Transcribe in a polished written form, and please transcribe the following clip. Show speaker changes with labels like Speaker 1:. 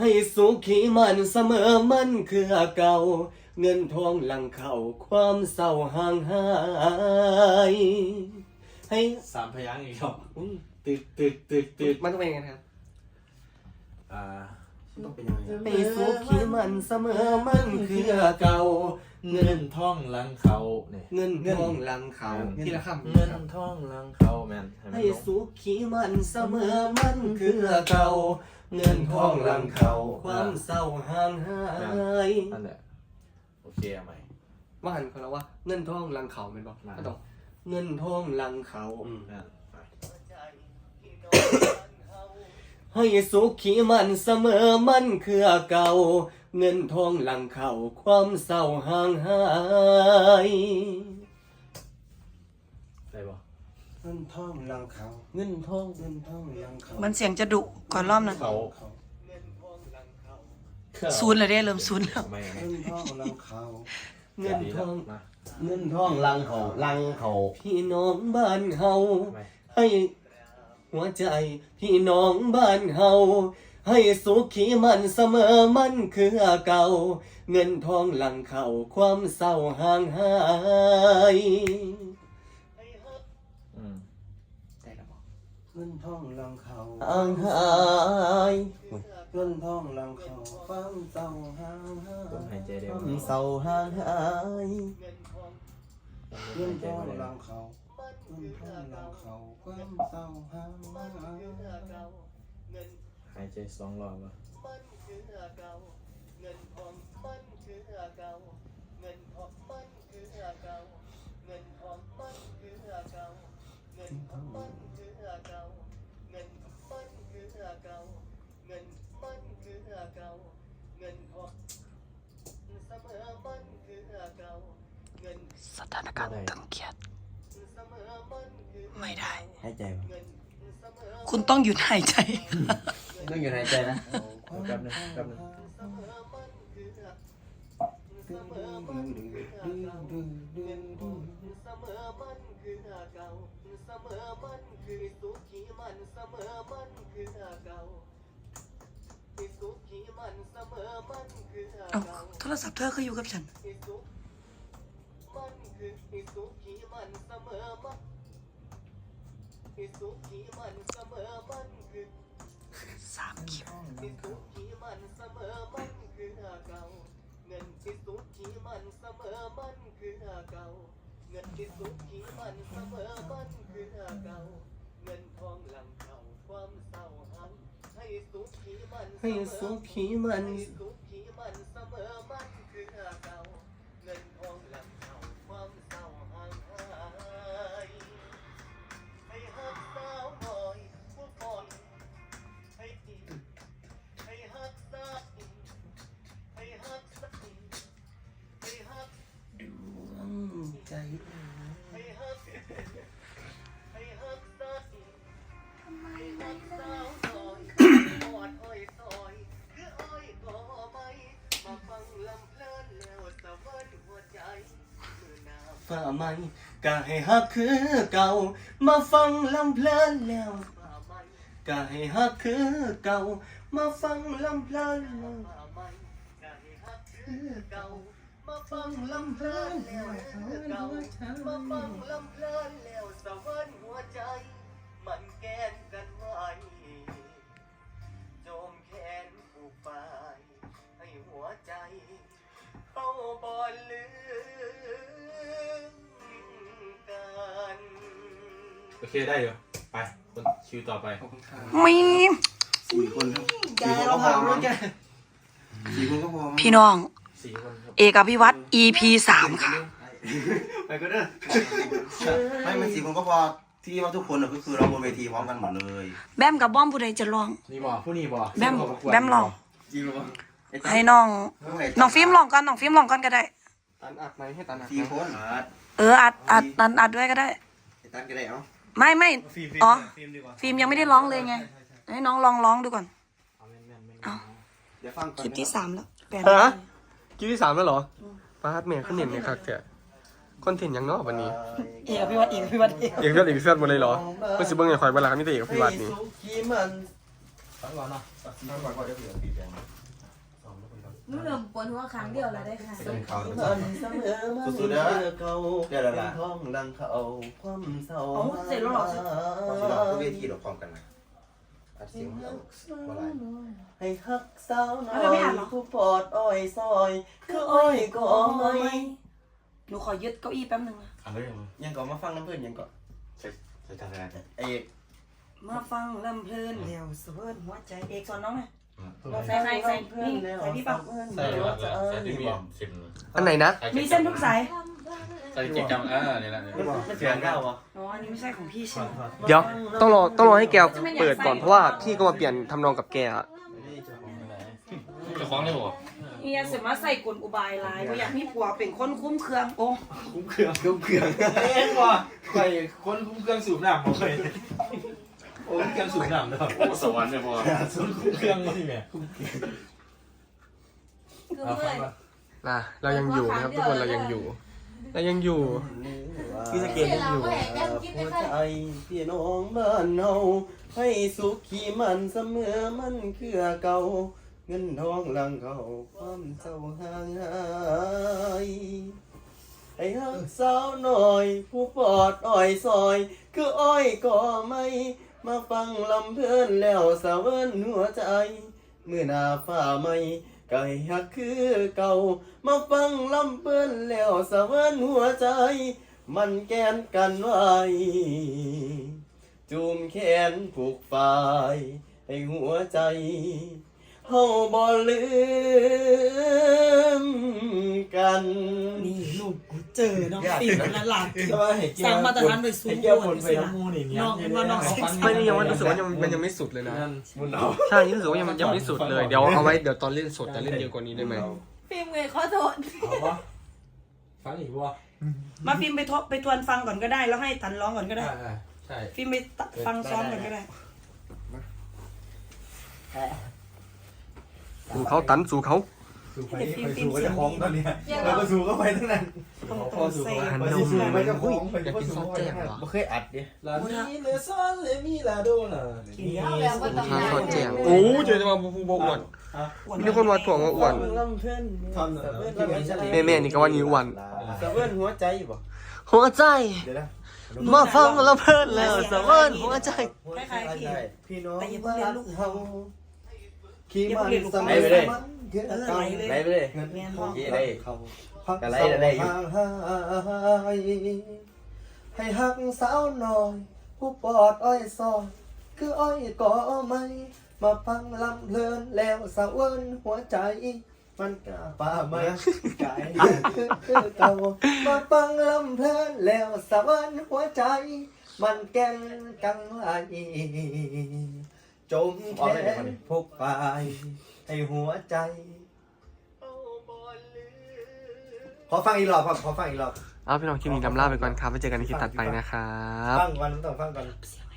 Speaker 1: ให้สุขีมันเสมอมันคือเก่าเงินทองหลังเข่าความเศร้าห่างหายให้
Speaker 2: สามพยางค์อีกรอบ
Speaker 1: ตึกมันต้องเป็นยังไงครับ
Speaker 2: ต้องเป็นยังไง
Speaker 1: ให้สุขีมันเสมอมันคือเก่า
Speaker 2: เงินทองหลังเขาเนี่ย
Speaker 1: เงินทองหลังเขาทีละคำ
Speaker 2: เงินทองหลังเขาแมน
Speaker 1: ให้สุขีมันเสมอมันคือเก่าเงินทองหลังเขาความเศร้าห่างหาย
Speaker 2: นั่นแหละโอเคเอาใหม่
Speaker 1: ว่าหันเขาแล้วว่าเงินทองหลังเขาเป็นบอกก็ต้องเงินทองหลังเขาให้สุขีมันเสมอมันคือเก่าเงินทองหลังเขาความเศร้าห่างหาย
Speaker 2: ได้ปะ
Speaker 1: เงินทองหลังเขาเงินทองหลังเขา
Speaker 3: มันเสียงจะดุก่อนรอบนะ
Speaker 2: เขา
Speaker 3: ศูนย์เลยได้เริ่มศูนย์แล้ว
Speaker 2: ไม่
Speaker 1: เงินทองหลังเขาเงิ
Speaker 2: เงิ
Speaker 1: น
Speaker 2: น
Speaker 1: ท
Speaker 2: ท
Speaker 1: อ
Speaker 2: อง ง
Speaker 1: เงินทองหลังเขาพี่น้องบ้านเฮาให้หัวใจพี่น้องบ้านเฮาให้สุขีมันเสมอมันคือเก่าเงินทองหลังเขาความเศร้าห่างหายได้แล้วบอกเงินทองหลังเขาห่างหายเงินทองหลังเขาความเศร้าห่างหาย
Speaker 2: หายใจเร็
Speaker 1: คว วามเศร้าห่างหายเงินทองหลังเขาเงินทองหลังเขาความเศร้าห่างหาย
Speaker 2: หายใจ2 รอบวะ
Speaker 3: สถานการณ์ตึงเครียดไม่ได้
Speaker 1: หายใจวะ
Speaker 3: คุณต้องหยุดหายใจ
Speaker 1: ต้องอยู่หายใจนะ
Speaker 2: แป๊บนึง
Speaker 3: เอ้าโทรศัพท์เธอคืออยู่กับฉันสามคลิป
Speaker 1: ให้สุขีมันใจฝ่าไม้ก็ให้ฮักคือเก่ามาฟังลำเพลินแล้วก็ให้ฮักคือเก่ามาฟังลำเพลินแล้วมาฟังลำเพลินแล้วมาฟังลำเพลินแล้วสวรรค์หัวใจมันแกนกันไว้โจมแขนผูกปลายให้หัวใจเข้าบ่ลืมกัน
Speaker 2: โอเคได้อยู่ไปคนคิวต่อไป
Speaker 3: มี
Speaker 4: 4 คนครับ
Speaker 1: แกเราพอมั้งแก
Speaker 4: 4 คนก็พอมั้ง
Speaker 3: พี่น้อง
Speaker 2: 4 คนครับ
Speaker 3: เอกอภิวัต EP 3 ค่ะ
Speaker 1: ไปก็ได้
Speaker 4: ไม่มัน4 คนก็พอที่ว่าทุกคนก็คือเราบนเวทีพร้อมกันหมดเลย
Speaker 3: แบมกับบ้อมผู้ใดจะร้อง
Speaker 2: นี่บ่ผู้นี้บ่
Speaker 3: แบมลอง
Speaker 4: จริงหรือเปล่า
Speaker 3: ให้น้องฟิล์มลองก่อนน้องฟิล์มลองก่อนก็ได้
Speaker 1: ตันอัดไหมให้ตันอัด
Speaker 4: 4 คนอัด
Speaker 3: อัดด้วยก็ได้
Speaker 4: ไอ้ตันก็ได้เอ้า
Speaker 3: ไม่อ๋อ
Speaker 1: ฟิล์มดีกว่า
Speaker 3: ฟิล์มยังไม่ได้ร้องเลยไง ให้น้องลองร้องดูก่อน
Speaker 2: เอาแม่น
Speaker 3: เอา
Speaker 4: เดี๋ยวฟังก่อน
Speaker 3: คลิปที่ 3 แล้วแปล
Speaker 1: ฮะคลิปที่3แล้วเหรอป้าดเมียขึ้นเด่นเนี่ยครับเถอะคอนเทนต์ยังเนาะวันนี้
Speaker 3: เอกอภิวัตเอกอภิวัตเอก
Speaker 1: เอกเสื้อหมดเลยเหรอเพื่อสิเบิ้งไอ้ข่อยเวลามีแต่เอกพิวัตรนี่
Speaker 4: ขีมัน
Speaker 2: ฟังก่อนเนาะ
Speaker 4: ฟังก่อนเดี๋ยวเผื่อตีแฟน
Speaker 3: วนหัวครั้งเดียวแล้วได้ค่ะ
Speaker 2: เป็นเขา
Speaker 1: มันเสมอมันเก่าเป็นท้องดังเขาความเศร้า
Speaker 3: เสร็จแล้วหรอ
Speaker 4: ที่เราก็เวทีเราพร้อมกันนะอัดเสียงเราบ่ไร
Speaker 1: ให้ฮักสาวน้อยผู้ปอดอ้อยซอยคืออ้อยก็ไม่
Speaker 3: หนูขอยึดเก้าอี้แป๊บนึงนะ
Speaker 2: อะไรอย่างเงี้ย
Speaker 1: ยังก่อนมาฟังน้ำเพื่อนยังก่อน
Speaker 2: ใส่ทางอะไร
Speaker 1: ไอ้
Speaker 3: มาฟังลำเพลินเดี๋ยวสเวิร์นหัวใจเอกสอนน้องไง
Speaker 1: ใส่นี่ใส่พี่ปัง
Speaker 2: ใส่เลยใส่ที่มีเส้น
Speaker 5: อันไหนนะ
Speaker 3: มีเส้นทุกสาย
Speaker 2: ใส่กิจกรรมนี่แหละ
Speaker 1: มันเสียงเก้าวะ
Speaker 3: อ๋ออันนี้ไม่ใช่ของพี่ใช่ไหม
Speaker 5: เดี๋ยวต้องรอให้แกเปิดก่อนเพราะว่าพี่ก็มาเปลี่ยนทำนองกับแกอะ
Speaker 2: จะคล้องได้บ่
Speaker 3: เฮียเสร็จมาใส่กลอุบายลายเพราะอยากมีผัวเป็นคนคุ้มเครื่องโอ้
Speaker 2: คุ้มเครื่องเอ็นว่ะใครคนคุ้มเครื่องสูบน้ำเขาเคยโอ้เครื่องสูบน้ำนะครับโอ้สวรรค์เลยพ่อคุ้มเครื่องนี่แม่
Speaker 3: คือเมื่อย
Speaker 5: นะเรายังอยู่นะครับทุกคนเรายังอยู่
Speaker 1: พี่สเกตยังอยู่หัวใจพี่น้องบ้านเฮาให้สุขีมันเสมอมันคือเก่าเงินทองหลังเขาความเศร้าห่างหายให้ฮักสาวหน่อยผู้ปอดอ้อยซอยคืออ้อยก็ไม่มาฟังลำเพลินแล้วสะเวินหัวใจเมื่อหน้าฟ้าไม่ก็ให้ฮักคือเก่ามาฟังลำเพลินแล้วสะเวินหัวใจมันแกนกันไว้จูมแขนผูกฝ่ายให้หัวใจเฮาบ่ลืมกัน
Speaker 3: นี่ลูกกูเจอน้องฟิล์มและหลาน
Speaker 1: สร้างมาตรฐาน
Speaker 3: ไปสูง
Speaker 1: เกี่ยวผลไปนะ
Speaker 3: น้องเป็นว่าน้อง
Speaker 5: ไม่นี่ยังรู้สึกว่ามันยังไม่สุดเลยนะ
Speaker 1: มุนเอา
Speaker 5: ใช่นี่รู้สึกว่ายังไม่สุดเลยเดี๋ยวเอาไว้เดี๋ยวตอนเล่นสดจะเล่นเยอะกว่านี้ได้ไหม
Speaker 3: ฟิล์มเงยขอโทษ
Speaker 2: เอาวะฟังอีกวะ
Speaker 3: มาฟิล์มไปทวนฟังก่อนก็ได้แล้วให้ตันร้องก่อนก็ได้
Speaker 2: ใช่
Speaker 3: ฟิล์มไปฟังซ้อมก่อนก็ได้
Speaker 5: สู่เขาตันสู่เขา
Speaker 2: สูไปสูก็จะคล้องตอนนี้เราก็สูก็ไปทั้งนั้น
Speaker 1: พอสูง
Speaker 5: หัน
Speaker 2: ไป
Speaker 5: น
Speaker 2: สู
Speaker 5: ม
Speaker 2: ไปจะคล้อง
Speaker 5: อยากกินซอสแจ่มเหรอ
Speaker 1: ไม่เคยอัดดิ
Speaker 2: ลานีเลซอนเลมีลาโดน่ะ
Speaker 5: ข้าวซอสแจ่มโอ้เจอจะมาบูบอ้วนมีคนมาถ่วงว่าอ้วน
Speaker 1: ลำเพื่อน
Speaker 2: ทำ
Speaker 5: แม่นี่ก็ว่านิ้วอ้วน
Speaker 1: สะเวินหัวใจบ่
Speaker 5: หัวใจ
Speaker 1: เดี๋ยวนะ
Speaker 5: มาฟังแล้วเพลินแล้วสะเวินหัวใจ
Speaker 3: คล้ายๆพี่
Speaker 1: พี่น้อง
Speaker 3: แต่อย่าเพิ่งเรียนลูก
Speaker 1: เฮาขี่มันสมั
Speaker 3: ไป
Speaker 1: ย
Speaker 3: ไปเลย
Speaker 1: ไหลไปเลย
Speaker 3: เงินทอง
Speaker 1: ยี่ได้เขาก็ไหลได้อยู่ให้ฮักสาวหน่อยผู้ปอดอ้อยซอยคืออ้อยก็ไม่มาฟังลำเพลินแล้วสะเวินหัวใจ มันกล้าป่าไม้กายคือเก่ามาฟังลำเพลินแล้วสะเวินหัวใจ มันแก่นกังไหลจมแขนพกไปให้หัวใจ ขอฟังอีกรอบครับขอฟังอีกรอบ
Speaker 5: เอาพี่น้องคลิปนี้ลำลาไปก่อนครับไว้เจอกันในคลิปถัดไปนะครับ
Speaker 1: ฟังก่อนต้องฟังก่อน
Speaker 3: เสียง